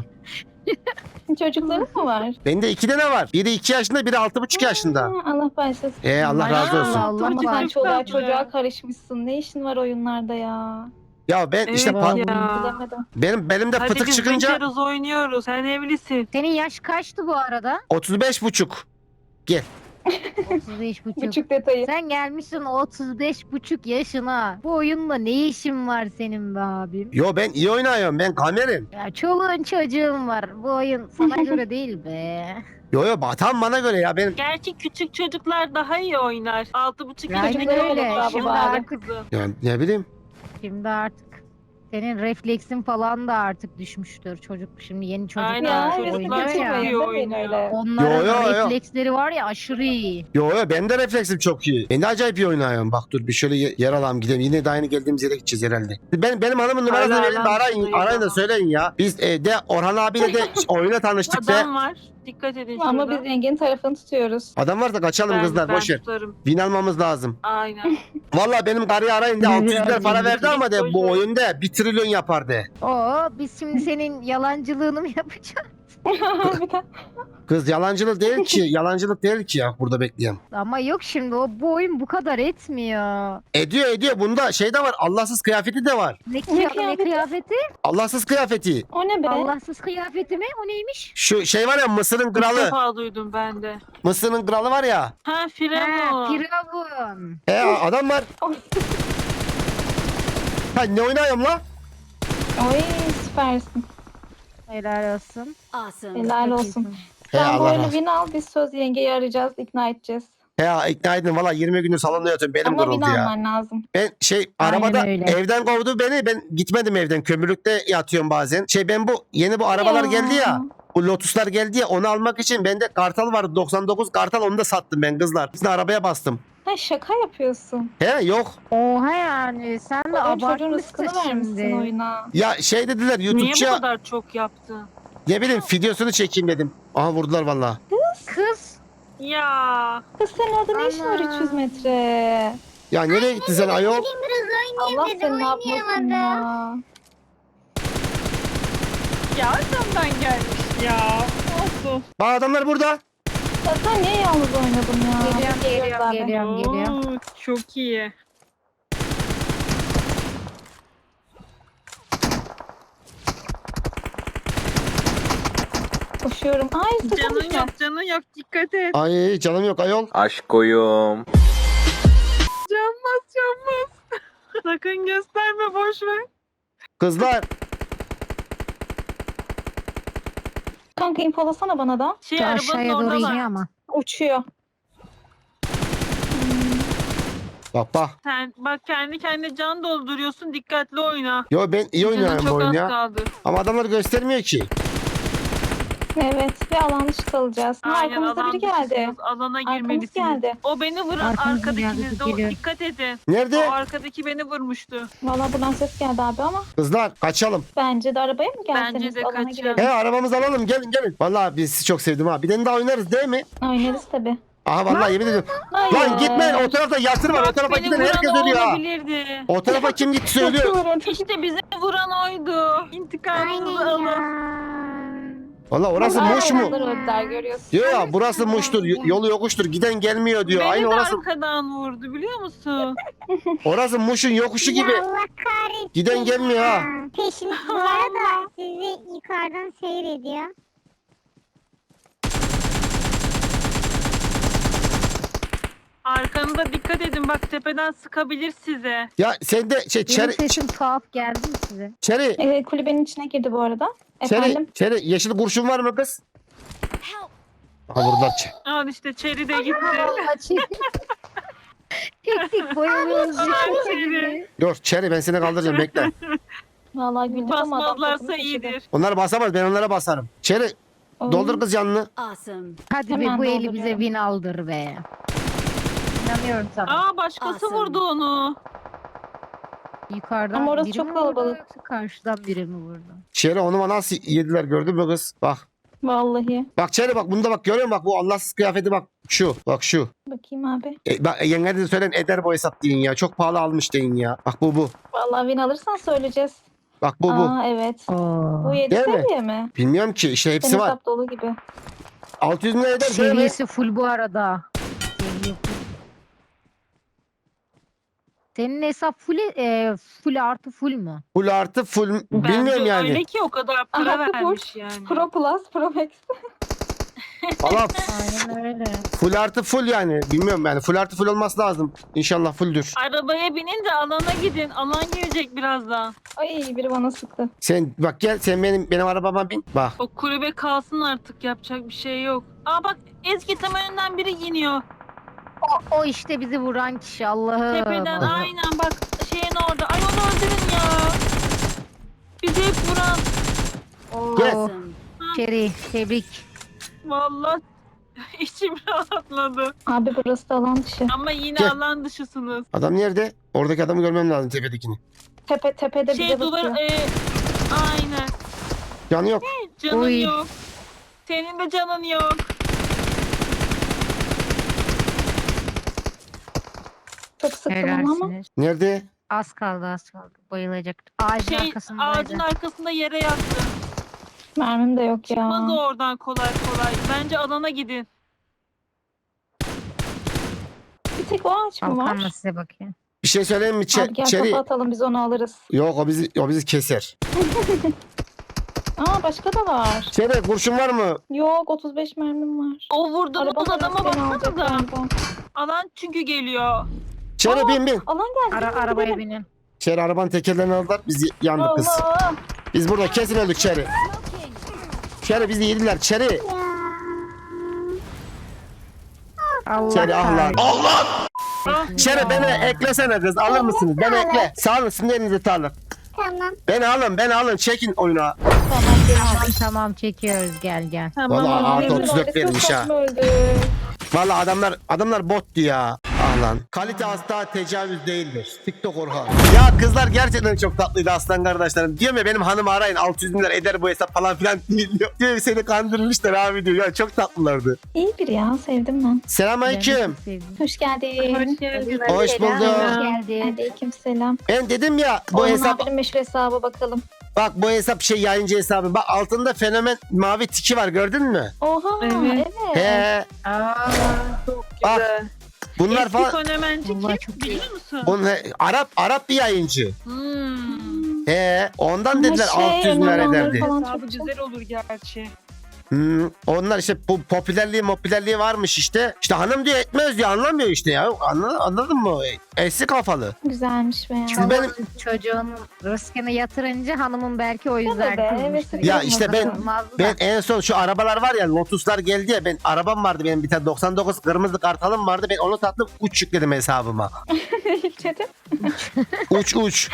Speaker 4: Çocukların mı var?
Speaker 1: Bende iki tane var. Biri iki yaşında, biri altı buçuk yaşında.
Speaker 4: Ha, Allah bağışlasın.
Speaker 1: He Allah razı olsun.
Speaker 5: Allah
Speaker 4: Ama sen
Speaker 5: bağışlasın.
Speaker 4: çoluğa
Speaker 3: Çok tatlı.
Speaker 4: çocuğa karışmışsın. Ne işin var oyunlarda ya?
Speaker 1: Ya ben işte
Speaker 3: Evet
Speaker 1: pa-
Speaker 3: ya.
Speaker 4: Bilemedim.
Speaker 1: benim belimde
Speaker 3: Hadi
Speaker 1: fıtık
Speaker 3: biz
Speaker 1: çıkınca
Speaker 3: bekliyoruz oynuyoruz. Sen evlisin.
Speaker 5: Senin yaş kaçtı bu arada?
Speaker 1: otuz beş buçuk.
Speaker 5: otuz beş buçuk.
Speaker 4: Buçuk detayı.
Speaker 5: Sen gelmişsin otuz beş buçuk yaşına. Bu oyunla ne işin var senin be abim?
Speaker 1: Yo ben iyi oynuyorum. Ben kamerim.
Speaker 5: Ya çoluğun çocuğun var. Bu oyun sana göre değil be.
Speaker 1: Yo yo tam bana göre ya. Benim
Speaker 3: Gerçi küçük çocuklar daha iyi oynar. Altı buçuk
Speaker 5: Aynen
Speaker 3: yaşında
Speaker 4: öyle.
Speaker 3: olur.
Speaker 5: Şimdi
Speaker 4: Baba.
Speaker 5: artık,
Speaker 3: kızım.
Speaker 1: ya ne bileyim.
Speaker 5: şimdi artık senin refleksin falan da artık düşmüştür. Çocuk şimdi yeni çocuklar
Speaker 3: Aynen,
Speaker 4: Ya
Speaker 3: çocuklar
Speaker 4: evet
Speaker 5: oynuyor
Speaker 3: çok
Speaker 5: ya.
Speaker 3: iyi
Speaker 4: demeyin
Speaker 3: oynuyor.
Speaker 4: öyle.
Speaker 5: Onların
Speaker 1: Yo, yo, yo.
Speaker 5: refleksleri var ya aşırı iyi.
Speaker 1: Yo yo ben de refleksim çok iyi. Ben de acayip iyi oynuyorum. Bak dur bir şöyle ye- yer alalım gidelim. Yine de aynı geldiğimiz yere gideceğiz herhalde. Ben, benim hanımın numarasını
Speaker 3: Hala
Speaker 1: verin de
Speaker 3: alan
Speaker 1: arayın,
Speaker 3: tutuyor
Speaker 1: arayın da
Speaker 3: ama.
Speaker 1: söyleyin ya. Biz e, de Orhan abiyle de oyuna tanıştık be.
Speaker 3: Adam var. Dikkat edin şurada.
Speaker 4: Ama biz Engin'in tarafını tutuyoruz.
Speaker 1: Adam varsa kaçalım
Speaker 3: ben,
Speaker 1: kızlar
Speaker 3: ben
Speaker 1: boş ver.
Speaker 3: tutarım.
Speaker 1: Win almamız lazım.
Speaker 3: Aynen.
Speaker 1: Valla benim karıyı arayın de
Speaker 5: Biraz
Speaker 1: altı yüz milyar para
Speaker 5: zengin.
Speaker 1: verdi ama de bu oyunda bir trilyon yapar de.
Speaker 5: Oo biz şimdi senin yalancılığını mı yapacağız?
Speaker 4: Bir de-
Speaker 1: Kız yalancılık değil ki. Yalancılık değil ki ya burada bekleyen.
Speaker 5: Ama yok şimdi o bu oyun bu kadar etmiyor.
Speaker 1: Ediyor ediyor. Bunda şey de var. Allahsız kıyafeti de var.
Speaker 5: Ne, kıya- ne
Speaker 4: kıyafeti?
Speaker 5: kıyafeti?
Speaker 1: Allahsız kıyafeti.
Speaker 4: O ne be?
Speaker 5: Allahsız kıyafeti mi? O neymiş?
Speaker 1: Şu şey var ya Mısır'ın
Speaker 3: İlk
Speaker 1: kralı.
Speaker 3: defa duydum ben de.
Speaker 1: Mısır'ın kralı var ya.
Speaker 3: Ha
Speaker 5: Ha,
Speaker 3: Firavun.
Speaker 5: Firavun.
Speaker 1: E adam var. Ha ne oynuyorum lan?
Speaker 4: Oy süpersin.
Speaker 5: Helal olsun.
Speaker 2: Awesome.
Speaker 4: Helal
Speaker 5: Çok
Speaker 4: olsun.
Speaker 5: iyisin.
Speaker 1: He
Speaker 4: Sen bu
Speaker 1: Allah
Speaker 4: oyunu
Speaker 1: razı.
Speaker 4: win al, biz söz yengeyi arayacağız, ikna edeceğiz.
Speaker 1: He ikna edin valla yirmi gündür salonda yatıyorum. Benim
Speaker 4: Ama win
Speaker 1: duruldu ya.
Speaker 4: alman lazım.
Speaker 1: Ben şey
Speaker 5: Aynen
Speaker 1: arabada
Speaker 5: öyle.
Speaker 1: evden kovdu beni. Ben gitmedim evden. Kömürlükte yatıyorum bazen. Şey ben bu yeni bu arabalar
Speaker 4: Ya.
Speaker 1: geldi ya. Bu Lotus'lar geldi ya onu almak için bende Kartal vardı doksan dokuz Kartal onu da sattım ben kızlar. Sizin arabaya bastım.
Speaker 4: Ha şaka yapıyorsun.
Speaker 1: He yok.
Speaker 5: Oha yani sen de
Speaker 4: Oğlum çocuğun
Speaker 5: abartmışsın
Speaker 4: rızkını vermişsin
Speaker 5: şimdi.
Speaker 4: oyuna.
Speaker 1: Ya şey dediler
Speaker 3: Niye bu
Speaker 1: YouTube'ça
Speaker 3: kadar çok yaptı?
Speaker 1: ne bileyim videosunu çekeyim dedim. Aha vurdular valla.
Speaker 5: Kız.
Speaker 3: Ya
Speaker 4: Kız senin orada ne işin var
Speaker 5: Ana.
Speaker 4: üç yüz metre?
Speaker 1: Ya nereye gittin sen ayol?
Speaker 4: Allah seni ne yapmasın ya.
Speaker 3: ya arkamdan gelmiş ya. Olsun.
Speaker 1: Bak adamlar burada.
Speaker 4: Ya sen niye yalnız oynadın ya?
Speaker 5: Geliyorum, geliyorum,
Speaker 4: zaten.
Speaker 5: geliyorum. geliyor.
Speaker 3: Oo, çok iyi.
Speaker 4: Koşuyorum. Ay sakın
Speaker 3: Canın
Speaker 4: düşme.
Speaker 3: yok canın yok dikkat et.
Speaker 1: Ay canım yok ayol.
Speaker 7: Aşkoyum.
Speaker 3: Canmaz canmaz. Sakın gösterme boş ver.
Speaker 1: Kızlar.
Speaker 4: Kanka infolasana bana da.
Speaker 3: Şey
Speaker 5: Şu
Speaker 3: arabanın
Speaker 5: aşağıya doğru iniyor
Speaker 3: oradalar.
Speaker 5: ama.
Speaker 4: Uçuyor.
Speaker 1: Bak bak.
Speaker 3: Sen bak kendi kendine can dolduruyorsun dikkatli oyna.
Speaker 1: Yo ben iyi
Speaker 3: Canın
Speaker 1: oynuyorum bu
Speaker 3: çok
Speaker 1: oyunu
Speaker 3: az
Speaker 1: ya.
Speaker 3: kaldı.
Speaker 1: Ama adamlar göstermiyor ki.
Speaker 4: Evet ve alan dışı kalacağız. Ha,
Speaker 3: Aynen,
Speaker 4: arkamızda
Speaker 3: alan
Speaker 4: biri geldi.
Speaker 3: dışısınız, Alana
Speaker 4: Arkamız
Speaker 3: girmelisiniz.
Speaker 4: geldi.
Speaker 3: O beni vuran
Speaker 5: Arkamız
Speaker 3: arkadakiniz
Speaker 5: geldi,
Speaker 3: de o
Speaker 5: geliyor.
Speaker 3: dikkat edin.
Speaker 1: Nerede?
Speaker 3: O arkadaki beni vurmuştu.
Speaker 4: Valla buradan ses geldi abi ama
Speaker 1: Kızlar kaçalım.
Speaker 4: bence de arabaya mı gelseniz?
Speaker 3: Bence de
Speaker 4: alana
Speaker 3: kaçalım.
Speaker 4: girelim.
Speaker 1: He arabamızı alalım gelin gelin. Vallahi biz sizi çok sevdim ha. Bir tane daha oynarız değil mi?
Speaker 4: Oynarız tabii.
Speaker 1: Aha vallahi yemin ediyorum.
Speaker 4: Hayır.
Speaker 1: Lan gitmeyin o tarafta yatır var. O
Speaker 3: Bak
Speaker 1: tarafa
Speaker 3: beni
Speaker 1: giden
Speaker 3: vuran
Speaker 1: herkes
Speaker 3: o
Speaker 1: ölüyor ha.
Speaker 3: olabilirdi.
Speaker 1: O tarafa kim gitti söylüyor.
Speaker 4: Kaçıyorum, çok
Speaker 3: İşte bize vuran oydu. İntikamınızı alın.
Speaker 1: Valla orası
Speaker 4: Ay,
Speaker 1: Muş mu?
Speaker 4: onlar öldüler görüyorsun.
Speaker 1: Diyor ya burası Muş'tur. y- Yolu yokuştur. Giden gelmiyor diyor.
Speaker 3: Beni
Speaker 1: Aynı
Speaker 3: de
Speaker 1: orası.
Speaker 3: arkadan vurdu biliyor musun?
Speaker 1: Orası Muş'un yokuşu gibi.
Speaker 8: Allah kahretsin.
Speaker 1: Giden gelmiyor ha.
Speaker 8: Peşin bu arada sizi yukarıdan seyrediyor.
Speaker 3: Arkanıza dikkat edin bak tepeden sıkabilir size.
Speaker 1: Ya sen de şey
Speaker 5: Benim
Speaker 1: çeri,
Speaker 5: sesim tuhaf geldi mi size?
Speaker 1: çeri,
Speaker 4: Ee, kulübenin içine girdi bu arada.
Speaker 1: çeri,
Speaker 4: Efendim?
Speaker 1: çeri yeşil kurşun var mı kız? Aha vurdular. Ç-
Speaker 3: Al işte Çeri de gitti.
Speaker 5: Açayım. Tek tek boyamıyoruz.
Speaker 3: Çeri.
Speaker 1: Dur çeri ben seni kaldıracağım bekle.
Speaker 4: Vallahi güldük ama adam
Speaker 3: Basmazlarsa
Speaker 4: tadını kaçırdı.
Speaker 3: iyidir.
Speaker 1: Onlar basamaz ben onlara basarım. Çeri
Speaker 4: Oo.
Speaker 1: doldur kız canını.
Speaker 2: Awesome.
Speaker 5: Hadi be
Speaker 4: Hemen
Speaker 5: bu eli
Speaker 4: dolduruyorum.
Speaker 5: bize win aldır be. İnanıyorum sana.
Speaker 3: Aa başkası
Speaker 2: Awesome.
Speaker 3: vurdu onu.
Speaker 5: Yukarıdan
Speaker 4: Ama orası
Speaker 5: biri
Speaker 4: çok
Speaker 5: mi vurdu
Speaker 4: kalabalık.
Speaker 5: yoksa karşıdan biri mi vurdu?
Speaker 1: Çeri onu bana nasıl yediler gördün mü kız? Bak.
Speaker 4: Vallahi.
Speaker 1: Bak Çeri bak bunda bak görüyor musun bak bu Allahsız kıyafeti bak şu bak şu.
Speaker 4: Bakayım abi.
Speaker 1: E, bak yenge de söylen eder bu hesap deyin ya çok pahalı almış deyin ya. Bak bu bu.
Speaker 4: Vallahi win alırsan söyleyeceğiz.
Speaker 1: Bak bu bu.
Speaker 4: Aa evet.
Speaker 5: Oo.
Speaker 4: Bu yedi
Speaker 1: Değil mi?
Speaker 4: seviye mi?
Speaker 1: Bilmiyorum ki işte hepsi
Speaker 4: Senin
Speaker 1: var.
Speaker 4: hesap dolu gibi.
Speaker 1: altı yüz lira eder değil mi?
Speaker 5: Seviyesi full bu arada. Seviye full. Senin hesap full, e, full artı full mu?
Speaker 1: Full artı full
Speaker 3: Bence
Speaker 1: bilmiyorum yani.
Speaker 3: öyle ki o kadar para
Speaker 4: Aha, bu
Speaker 3: vermiş yani.
Speaker 4: Pro Plus, Pro Max.
Speaker 1: Valla
Speaker 5: Aynen öyle.
Speaker 1: full artı full yani. Bilmiyorum yani full artı full olması lazım. İnşallah fulldür.
Speaker 3: Arabaya binin de alana gidin. Alan gelecek birazdan.
Speaker 4: Ay biri bana sıktı.
Speaker 1: Sen bak gel sen benim benim arabama bin. Bak.
Speaker 3: O kulübe kalsın artık yapacak bir şey yok. Aa bak Ezgi tam önünden biri iniyor.
Speaker 5: O, o işte bizi vuran kişi Allah'ım.
Speaker 3: Tepeden
Speaker 1: Aha.
Speaker 3: aynen bak şeyin orada. Ay onu öldürün ya. Bizi hep vuran.
Speaker 5: Oo,
Speaker 1: Gel.
Speaker 2: Awesome.
Speaker 5: Çeri tebrik.
Speaker 3: Vallahi içim rahatladı.
Speaker 4: Abi burası da alan dışı.
Speaker 3: Ama yine
Speaker 1: Gel.
Speaker 3: alan dışısınız.
Speaker 1: Adam nerede? Oradaki adamı görmem lazım tepedekini.
Speaker 4: Tepe tepede
Speaker 3: Şey
Speaker 4: bize
Speaker 3: duvar
Speaker 4: bakıyor.
Speaker 3: e, aynen.
Speaker 1: Canı yok.
Speaker 3: Canın
Speaker 5: Oy.
Speaker 3: yok. Senin de canın yok.
Speaker 4: Çok sıktım onu ama.
Speaker 5: Helalsiniz.
Speaker 1: Nerede?
Speaker 5: Az kaldı az kaldı. Bayılacak. Ağacın
Speaker 3: Şey
Speaker 5: arkasındaydı.
Speaker 3: ağacın arkasında yere yattı.
Speaker 4: Mermim de yok
Speaker 3: Çıkmaz
Speaker 4: ya.
Speaker 3: o oradan kolay kolay. Bence alana gidin.
Speaker 4: Bir tek o ağaç mı
Speaker 5: Kalkanla
Speaker 4: var?
Speaker 5: size bakıyor.
Speaker 1: Bir şey söyleyeyim mi? Çe-
Speaker 4: Abi gel
Speaker 1: Çeri.
Speaker 4: kafa atalım biz onu alırız.
Speaker 1: Yok o bizi o bizi keser.
Speaker 4: Aa başka da var.
Speaker 1: Çeri kurşun var mı?
Speaker 4: Yok otuz beş mermim var.
Speaker 3: O vurduğunuz
Speaker 4: Arabanın
Speaker 3: adama
Speaker 4: arası beni alacak
Speaker 3: baksanıza.
Speaker 4: galiba.
Speaker 3: Alan çünkü geliyor.
Speaker 1: Çeri
Speaker 4: Aa,
Speaker 1: bin bin.
Speaker 4: Alan geldi.
Speaker 5: Ara,
Speaker 4: gidelim,
Speaker 5: arabaya
Speaker 4: gidelim.
Speaker 5: binin.
Speaker 1: Çeri arabanın tekerlerini aldılar. Biz yandık kız.
Speaker 4: Allah.
Speaker 1: Biz burada kesin öldük Çeri. Çeri bizi yediler Çeri.
Speaker 5: Allah
Speaker 1: Çeri ah lan.
Speaker 5: kahretsin.
Speaker 1: Allah!
Speaker 3: Ah,
Speaker 1: Çeri beni eklesene kız alır mısınız? Beni ekle. Sağ olun sizin elinize sağlık.
Speaker 8: Tamam.
Speaker 1: Beni alın beni alın çekin oyuna.
Speaker 5: Tamam tamam çekiyoruz gel gel.
Speaker 3: tamam.
Speaker 1: Vallahi
Speaker 3: abi.
Speaker 1: artı otuz dört
Speaker 4: Çok
Speaker 1: verilmiş ha.
Speaker 4: saçma öldü.
Speaker 1: Vallahi adamlar adamlar bottu ya. Ah lan. Kalite asla tecavüz değildir. TikTok Orhan. Ya kızlar gerçekten çok tatlıydı aslan kardeşlerim. Diyorum ya benim hanımı arayın altı yüz bin lira eder bu hesap falan filan diyor. Diyor seni kandırmışlar abi diyor. Ya çok tatlılardı.
Speaker 4: İyi bir ya sevdim ben.
Speaker 1: Selamünaleyküm.
Speaker 5: Ben de çok sevdim.
Speaker 4: Hoş geldin.
Speaker 3: Hoş geldin.
Speaker 1: Hoş
Speaker 5: Selam,
Speaker 1: bulduk.
Speaker 5: Hoş geldin.
Speaker 4: Aleyküm selam.
Speaker 1: Ben dedim ya bu
Speaker 4: Orhan
Speaker 1: hesap
Speaker 4: abinin meşhur hesabı bakalım.
Speaker 1: bak bu hesap şey yayıncı hesabı. Bak altında fenomen mavi tiki var gördün mü?
Speaker 4: Oha
Speaker 3: Evet.
Speaker 4: evet.
Speaker 1: He.
Speaker 3: Aa, çok
Speaker 1: Bak,
Speaker 3: güzel.
Speaker 1: Bunlar
Speaker 3: Eski
Speaker 1: falan
Speaker 3: fenomenci
Speaker 5: Vallahi
Speaker 3: kim
Speaker 5: çok
Speaker 3: biliyor musun?
Speaker 1: Bunlar, Arap Arap bir yayıncı.
Speaker 3: Hmm.
Speaker 1: He. Ondan
Speaker 4: Ama
Speaker 1: dediler
Speaker 4: şey,
Speaker 1: altı yüz bin lira
Speaker 4: önemli olanları
Speaker 1: ederdi.
Speaker 4: falan
Speaker 3: Hesabı
Speaker 4: çok çok-
Speaker 3: güzel olur gerçi.
Speaker 1: Hmm, onlar işte bu popülerliği popülerliği varmış işte. İşte hanım diyor etmez diyor anlamıyor işte ya. Anladın, anladın mı? Eski kafalı.
Speaker 4: Güzelmiş be ya.
Speaker 1: Şimdi benim
Speaker 5: Çocuğun rızkını yatırınca hanımın belki o yüzden
Speaker 4: be,
Speaker 5: kızmıştır.
Speaker 4: evet.
Speaker 1: Ya işte ben-
Speaker 5: Kızmazdı da.
Speaker 1: ben en son şu arabalar var ya Lotus'lar geldi ya ben arabam vardı benim bir tane doksan dokuz kırmızı kartalım vardı ben onu sattım uç yükledim hesabıma.
Speaker 4: Dedim.
Speaker 1: Uç uç.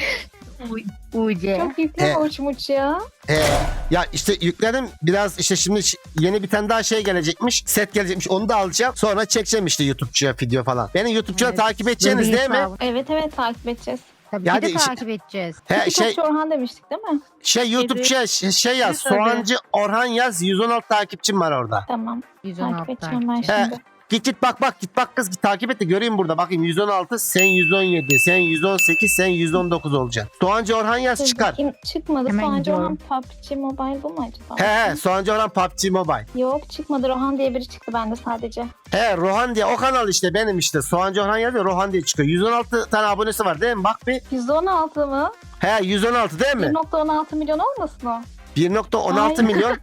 Speaker 5: U C.
Speaker 4: Çok yükleme
Speaker 1: He.
Speaker 4: uçmuş ya.
Speaker 1: He. Ya işte yükledim biraz işte şimdi ş- yeni bir tane daha şey gelecekmiş set gelecekmiş onu da alacağım sonra çekeceğim işte YouTube'cuya video falan. Beni YouTube'cuya
Speaker 5: Evet,
Speaker 1: takip edeceğiniz
Speaker 5: Böyle bir
Speaker 1: değil mi?
Speaker 5: hesabı.
Speaker 4: Evet evet takip edeceğiz.
Speaker 5: Tabii
Speaker 1: Ya
Speaker 5: ki de
Speaker 1: hadi işte-
Speaker 5: takip edeceğiz.
Speaker 1: He
Speaker 4: Şey,
Speaker 1: şey
Speaker 4: Orhan demiştik değil mi?
Speaker 1: şey YouTube'cuya ş- şey yaz
Speaker 3: Tabii.
Speaker 1: Soğancı Orhan yaz yüz on altı takipçim var orada.
Speaker 4: Tamam.
Speaker 5: yüz on
Speaker 4: Takip
Speaker 5: altı
Speaker 4: edeceğim ben
Speaker 1: He.
Speaker 4: şimdi.
Speaker 1: Git git bak bak git bak kız git takip et de göreyim burada bakayım yüz on altı sen yüz on yedi sen yüz on sekiz sen yüz on dokuz olacaksın. Soğancı Orhan yaz
Speaker 4: Dur
Speaker 1: çıkar.
Speaker 4: bakayım, çıkmadı.
Speaker 5: Hemen
Speaker 4: Soğancı
Speaker 5: gidiyorum.
Speaker 4: Orhan P U B G Mobile bu mu acaba?
Speaker 1: He he Soğancı Orhan P U B G Mobile.
Speaker 4: Yok çıkmadı. Rohan diye biri çıktı bende sadece.
Speaker 1: He Rohan diye o kanal işte benim işte Soğancı Orhan yazıyor Rohan diye çıkıyor. yüz on altı tane abonesi var değil mi? Bak bir.
Speaker 4: yüz on altı mı?
Speaker 1: He yüz on altı değil mi?
Speaker 4: bir nokta on altı milyon olmasın o?
Speaker 1: bir nokta on altı
Speaker 4: Ay.
Speaker 1: milyon.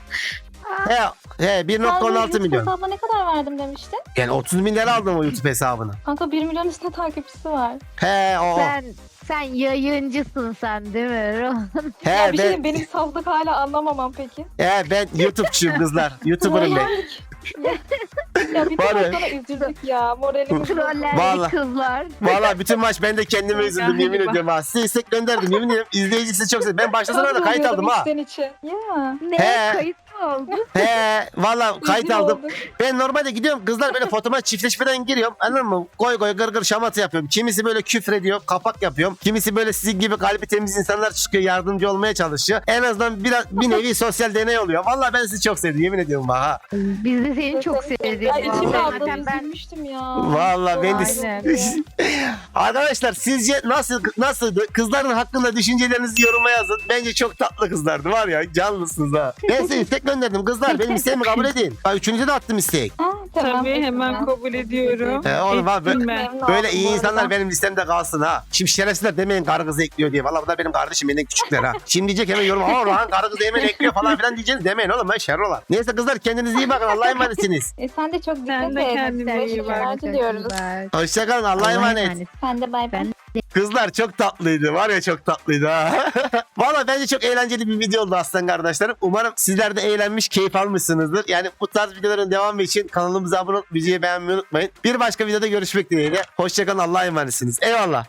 Speaker 1: he he bir nokta on altı
Speaker 4: Sen
Speaker 1: milyon.
Speaker 4: hesabına ne kadar verdim demiştin?
Speaker 1: Yani otuz bin lira aldım o YouTube hesabını.
Speaker 4: Kanka bir milyon üstünde takipçisi var.
Speaker 1: He o. o.
Speaker 5: Sen sen yayıncısın sen değil mi?
Speaker 1: He
Speaker 4: ya bir şey
Speaker 1: ben
Speaker 4: diyeyim, benim saflık hala anlamamam peki.
Speaker 1: he ben YouTube'çuyum kızlar. YouTuber'ım ben.
Speaker 4: ya bir
Speaker 1: Var ya.
Speaker 4: de sana üzüldük ya. Moralimiz bozuldu.
Speaker 1: Vallahi.
Speaker 5: Trollerli kızlar.
Speaker 1: Valla bütün maç ben de kendime üzüldüm yemin
Speaker 3: Galiba.
Speaker 1: ediyorum ha. Size istek gönderdim yemin ediyorum. İzleyici sizi çok sevdim. Ben başlasana da kayıt aldım ha.
Speaker 4: İçten içe. Ya.
Speaker 5: Ne
Speaker 1: He.
Speaker 5: kayıt mı oldu?
Speaker 1: He valla kayıt
Speaker 4: Üzgün
Speaker 1: aldım.
Speaker 4: oldum.
Speaker 1: Ben normalde gidiyorum kızlar böyle fotoğraf çiftleşmeden giriyorum. Anladın mı? Goy goy gır gır şamata yapıyorum. Kimisi böyle küfür ediyor. Kapak yapıyorum. Kimisi böyle sizin gibi kalbi temiz insanlar çıkıyor. Yardımcı olmaya çalışıyor. En azından biraz bir nevi sosyal deney oluyor. Valla ben sizi çok sevdim. Yemin ediyorum bak ha.
Speaker 5: Biz de seni çok sevdik.
Speaker 4: Ya içim
Speaker 5: Vallahi.
Speaker 4: aldı.
Speaker 5: Zaten ben
Speaker 4: Üzülmüştüm ya.
Speaker 1: Valla ben de...
Speaker 5: Aynen.
Speaker 1: Arkadaşlar sizce nasıl nasıldı? Kızların hakkında düşüncelerinizi yoruma yazın. Bence çok tatlı kızlardı var ya. Canlısınız ha. Ben size istek gönderdim kızlar. Benim isteğimi kabul edin. Bak üçüncüde de attım istek.
Speaker 4: Ha, tamam.
Speaker 3: Tabii hemen
Speaker 4: Tamam.
Speaker 3: kabul ediyorum.
Speaker 1: He, oğlum abi,
Speaker 3: Ettim
Speaker 1: böyle-
Speaker 3: ben.
Speaker 4: Memnun
Speaker 1: Böyle
Speaker 4: oldum
Speaker 1: iyi
Speaker 4: bu
Speaker 1: insanlar
Speaker 4: arada.
Speaker 1: benim listemde kalsın ha. Şimdi şerefsizler demeyin karı kızı ekliyor diye. Valla bunlar benim kardeşim benden küçükler ha. Şimdi diyecek hemen yorum. Aa Orhan karı kızı hemen ekliyor falan filan diyeceğiniz demeyin oğlum ben şerrolar. Neyse kızlar kendinize iyi bakın. Allah'a emanetsiniz.
Speaker 4: E sen de çok dikkat
Speaker 3: Sen de
Speaker 4: et.
Speaker 3: kendine iyi bak.
Speaker 4: Başarılar diliyoruz.
Speaker 1: Hoşçakalın. Allah'a
Speaker 5: Allah'a
Speaker 1: emanet.
Speaker 5: emanet.
Speaker 4: Sen de bay bay.
Speaker 5: Ben-
Speaker 1: Kızlar çok tatlıydı. Var ya çok tatlıydı ha. Valla bence çok eğlenceli bir video oldu aslan kardeşlerim. Umarım sizler de eğlenmiş, keyif almışsınızdır. Yani bu tarz videoların devamı için kanalımıza abone olup videoyu beğenmeyi unutmayın. Bir başka videoda görüşmek dileğiyle. Hoşçakalın. Allah'a emanetsiniz. Eyvallah.